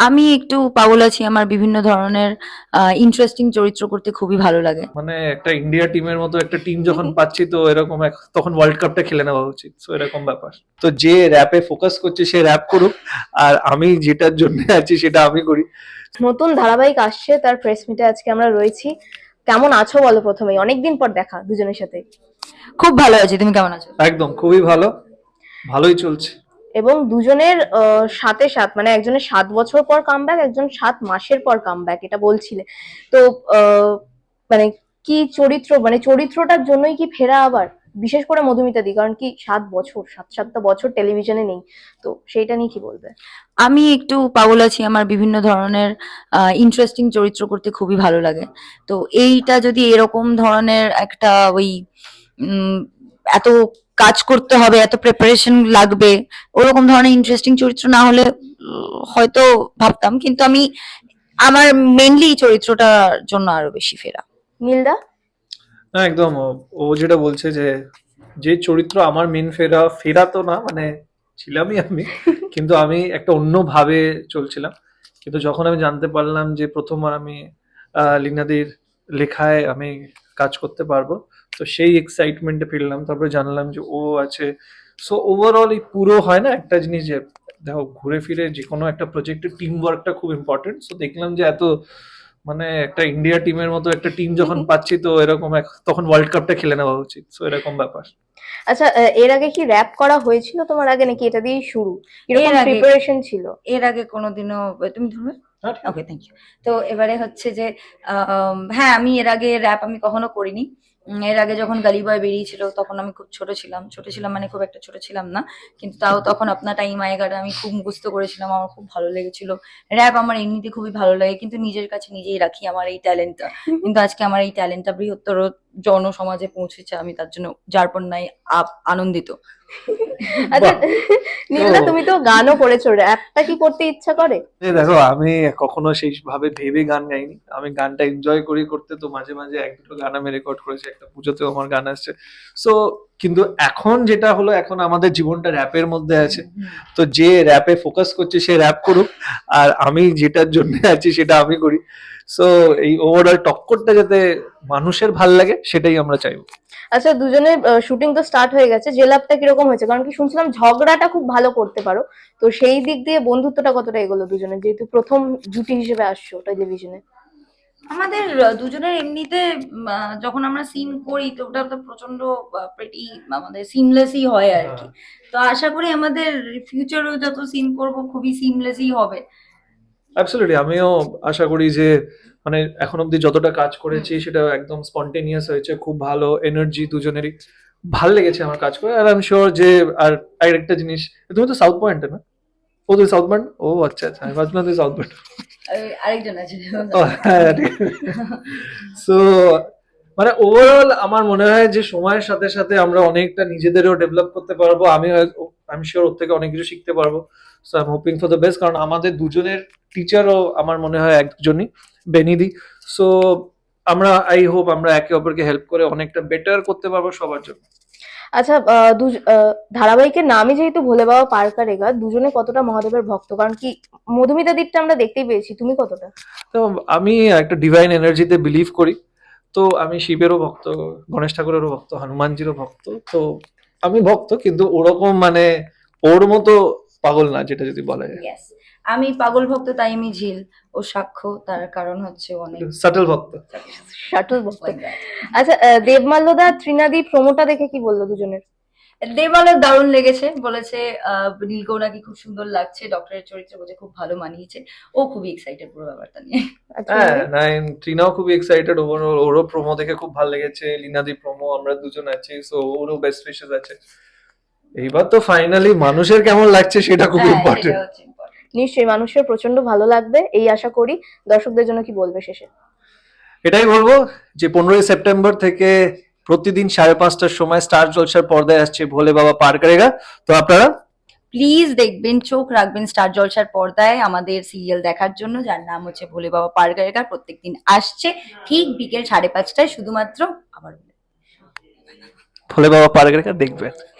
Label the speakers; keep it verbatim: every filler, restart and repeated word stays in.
Speaker 1: আমি একটু পাগল আছি। আমার বিভিন্ন ধরনের আ ইন্টারেস্টিং চরিত্র করতে খুবই ভালো লাগে।
Speaker 2: মানে একটা ইন্ডিয়া টিমের মতো একটা টিম যখন পাচ্ছি তো এরকম এক তখন ওয়ার্ল্ড কাপটা খেলে নেওয়া উচিত। সো এরকম ব্যাপার। তো যে র‍্যাপে ফোকাস করছে সে র‍্যাপ করুক। আর আমি যেটার জন্য আছি সেটা আমি করি।
Speaker 3: নতুন ধারাবাহিক আসছে, তার প্রেস মিটে আজকে আমরা রয়েছি। কেমন আছো বলো প্রথমেই? অনেকদিন পর দেখা দুজনের সাথে।
Speaker 1: খুব ভালো আছি। তুমি কেমন আছো?
Speaker 2: একদম খুবই ভালো। ভালোই চলছে।
Speaker 3: এবং দুজনের আহ, সাথে সাত মানে একজনের সাত বছর পর কামব্যাক, একজন সাত মাসের পর কামব্যাক, এটা বলছিলে তো। আহ, মানে কি চরিত্র, মানে চরিত্রটার জন্যই কি ফেরা আবার? বিশেষ করে মধুমিতা দি, কারণ কি সাত বছর সাত সাতটা বছর টেলিভিশনে নেই, তো সেইটা নিয়ে কি বলবে?
Speaker 1: আমি একটু পাগল আছি। আমার বিভিন্ন ধরনের আ ইন্টারেস্টিং চরিত্র করতে খুবই ভালো লাগে। তো এইটা যদি এরকম ধরনের একটা ওই উম এত কাজ করতে হবে, এত প্রিপারেশন লাগবে, ওরকম ধরনের ইন্টারেস্টিং চরিত্র না হলে উম হয়তো ভাবতাম। কিন্তু আমি আমার মেইনলি এই চরিত্রটার জন্য আরো বেশি ফেরা।
Speaker 3: নীলদা?
Speaker 2: না একদম ও ও যেটা বলছে যে যে চরিত্র আমার মেন ফেরা ফেরা তো না মানে ছিলামই আমি, কিন্তু আমি একটা অন্য ভাবে চলছিলাম। কিন্তু যখন আমি জানতে পারলাম যে প্রথমবার আমি আহ, লিনাদির লেখায় আমি কাজ করতে পারবো, তো সেই এক্সাইটমেন্টে ফিরলাম। তারপরে জানলাম যে ও আছে। সো ওভারঅল এই পুরো হয় না একটা জিনিস যে দেখো ঘুরে ফিরে যে কোনো একটা প্রজেক্টের টিম ওয়ার্কটা খুব ইম্পর্টেন্ট। সো দেখলাম যে এত মানে একটা ইন্ডিয়া টিমের মতো একটা টিম যখন পাচ্ছি তো এরকম এক তখন ওয়ার্ল্ড কাপটা খেলে নেওয়া উচিত। সো এরকম ব্যাপার।
Speaker 3: আচ্ছা, আহ, এর আগে কি র‍্যাপ করা হয়েছিল তোমার আগে, নাকি এটা দিয়েই শুরু?
Speaker 1: এর
Speaker 3: এরকম
Speaker 1: আগে
Speaker 3: প্রিপারেশন ছিল?
Speaker 1: এর আগে কোনোদিনও তুমি ধরবে?
Speaker 2: হ্যাঁ, ঠিক আছে।
Speaker 1: Okay, thank you. তো এবারে হচ্ছে যে আম, হ্যাঁ, আমি এর আগে র‍্যাপ আমি কখনো করিনি। উম, এর আগে যখন গালি বয় বেরিয়েছিল তখন আমি খুব ছোট ছিলাম। ছোট ছিলাম মানে খুব একটা ছোট ছিলাম না। কিন্তু তাও তখন আপনার টাইম আয়েগাটা আমি খুব মুখস্থ করেছিলাম। আমার খুব ভালো লেগেছিল। র‍্যাপ আমার এমনিতে খুবই ভালো লাগে, কিন্তু নিজের কাছে নিজেই রাখি আমার এই ট্যালেন্টটা। কিন্তু আজকে আমার এই ট্যালেন্টটা বৃহত্তর জনসমাজে পৌঁছেছে, আমি তার জন্য যারপরনাই আপ আনন্দিত।
Speaker 3: আচ্ছা,
Speaker 2: বাহ।
Speaker 3: নীলদা
Speaker 2: তো
Speaker 3: তুমি তো গানও করেছো, র‍্যাপটা কি করতে ইচ্ছা করে?
Speaker 2: এই দেখো আমি কখনো সেই ভাবে ভেবে গান গাইনি। আমি গানটা এনজয় করি করতে, তো মাঝে মাঝে এক দুটো গান আমি রেকর্ড করেছি। একটা পুজোতেও আমার গান আসছে। সো কিন্তু এখন যেটা হলো, এখন আমাদের জীবনটা র‍্যাপের মধ্যে আছে। তো যে র‍্যাপে ফোকাস করছে সে র‍্যাপ করুক। আর আমি যেটার জন্য আছি সেটা আমি করি। সো এই ওভারঅল টক্করটা যাতে মানুষের ভাল লাগে সেটাই আমরা চাইবো।
Speaker 3: আচ্ছা, দুজনের শুটিং তো স্টার্ট হয়ে গেছে, জেলাপটা কিরকম হয়েছে? কারণ কি শুনছিলাম ঝগড়াটা খুব ভালো করতে পারো, তো সেই দিক দিয়ে বন্ধুত্বটা কতটা এগোলো দুজনের, যেহেতু প্রথম জুটি হিসেবে আসছো টেলিভিশনে?
Speaker 1: আমাদের দুজনের এমনিতে উম, আহ, যখন আমরা সিন করি তো ওটা তো প্রচন্ড প্রেটি আমাদের সিমলেসই হয় আর কি। তো আশা করি আমাদের ফিউচারেও যত সিন করব খুবই সিমলেসই হবে।
Speaker 2: অ্যাবসলিউটলি আমিও আশা করি যে মানে এখন অব্দি যতটা কাজ করেছি সেটা একদম স্পন্টেনিয়াস হয়েছে। খুব ভালো এনার্জি দুজনেরই। ভাল লেগেছে আমার কাজ করে। আর আমি শিওর যে আর আরেকটা জিনিস, তুমি তো সাউথ পয়েন্টে না? ও তুই সাউথ পয়েন্ট? ও আচ্ছা আচ্ছা, আমি ভাবছিলাম তুই সাউথ পয়েন্ট।
Speaker 1: আর- আরেকজন আছে।
Speaker 2: ও হ্যাঁ ঠিক। সো মানে ওভারঅল আমার মনে হয় যে সময়ের সাথে সাথে আমরা অনেকটা নিজেদেরও ডেভেলপ করতে পারবো। আমি আমি শিওর ওর থেকে অনেক কিছু শিখতে পারবো। So I am hoping for the best, কারণ আমাদের দুজনের টিচারও আমার মনে হয় একজনই, বেনিদি। সো আমরা আই হোপ আমরা একে অপরকে হেল্প করে অনেকটা বেটার করতে পারবো সবার জন্য।
Speaker 3: আচ্ছা, আহ, দু- আহ, ধারাবাহিকের নামই যেহেতু ভোলে বাবা পার্কা রেগা, দুজনে কতটা মহাদেবের ভক্ত? কারণ কি মধুমিতা দ্বীপটা আমরা দেখতেই পেয়েছি, তুমি কতটা?
Speaker 2: তো আমি একটা ডিভাইন এনার্জিতে বিলিভ করি। তো আমি শিবেরও ভক্ত, গণেশ ঠাকুরেরও ভক্ত, হনুমানজিরও ভক্ত। তো আমি ভক্ত, কিন্তু ওরকম মানে ওর মতো পাগল না, যেটা যদি বলা যায়।
Speaker 1: Yes, আমি পাগল ভক্ত, তাই আমি ঝিল ও সাক্ষ্য, তার কারণ হচ্ছে অনেক
Speaker 2: সাটল ভক্ত।
Speaker 3: শাটল ভক্ত।
Speaker 1: like that.
Speaker 3: আচ্ছা, আহ, দেবমাল্যদা ত্রিনাদি প্রোমোটা দেখে কি বললো দুজনের?
Speaker 1: দেবালের দারুণ লেগেছে, বলেছে আহ নীলকেও নাকি খুব সুন্দর লাগছে, ডক্টরের চরিত্রে বলছে খুব ভালো মানিয়েছে। ও খুবই এক্সাইটেড পুরো ব্যাপারটা নিয়ে।
Speaker 3: আর
Speaker 2: হ্যাঁ
Speaker 3: ত্রিনাদি?
Speaker 2: নাইন ট্রিনাও খুবই এক্সাইটেড। ওর ওরও প্রোমো দেখে খুব ভালো লেগেছে। লিনাদি প্রোমো, আমরা দুজন আছি, সো ওরও বেস্ট উইশেস আছে। এইবার তো ফাইনালি মানুষের কেমন লাগছে সেটা খুব
Speaker 1: হ্যাঁ, সেটা
Speaker 2: ইম্পর্টেন্ট।
Speaker 1: হচ্ছে important.
Speaker 3: নিশ্চয়ই মানুষের প্রচন্ড ভালো লাগবে এই আশা করি। দর্শকদের জন্য কি বলবে শেষে?
Speaker 2: এটাই বলবো যে পনেরোই সেপ্টেম্বর থেকে প্রতিদিন সাড়ে পাঁচটার সময় স্টার জলসার পর্দায় আসছে ভোলে বাবা পার করেগা। তো আপনারা
Speaker 1: প্লিজ দেখবেন, চোখ রাখবেন স্টার জলসার পর্দায় আমাদের সিরিয়াল দেখার জন্য, যার নাম হচ্ছে ভোলে বাবা পার করেগা। প্রত্যেকদিন আসছে ঠিক বিকেল সাড়ে পাঁচটায়, শুধুমাত্র। আবার
Speaker 2: ভোলে বাবা পার করেগা দেখবেন।